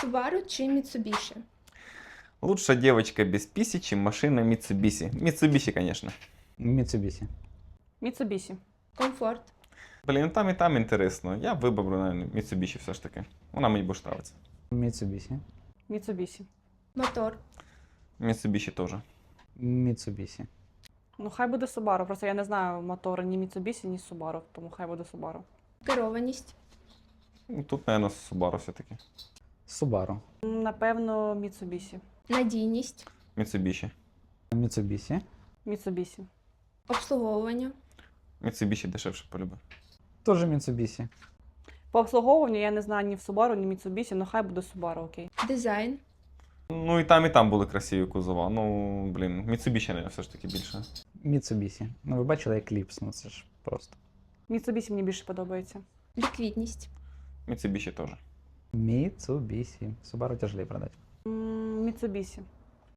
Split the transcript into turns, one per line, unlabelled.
Subaru чи Mitsubishi?
Лучше девочка без писи, чем машина Mitsubishi. Mitsubishi, конечно.
Mitsubishi.
Mitsubishi.
Комфорт.
Блін, і там інтересно. Я виберу, наверное, Mitsubishi все ж таки. Вона мені більше подобається.
Mitsubishi.
Mitsubishi.
Мотор.
Mitsubishi теж.
Mitsubishi.
Ну, хай буде Subaru. Просто я не знаю мотора ні Mitsubishi, ні Subaru, тому хай буде Subaru.
Керованість.
Ну, тут, наверное, Subaru все-таки.
Subaru.
Напевно, Mitsubishi.
Надійність.
Mitsubishi.
Mitsubishi.
Mitsubishi.
Обслуговування.
Mitsubishi дешевше полюбив.
Тоже Mitsubishi.
По обслуговуванню я не знаю ні в Subaru, ні Mitsubishi, але хай буде Subaru, окей.
Дизайн.
Ну, і там були красиві кузова. Ну, блін, Mitsubishi, наверное, все ж таки більше.
Mitsubishi. Ну, ви бачили Eclipse, ну це ж просто.
Mitsubishi мені більше подобається.
Ліквідність.
Mitsubishi теж.
Mitsubishi. Subaru тяжелее продать.
Mitsubishi.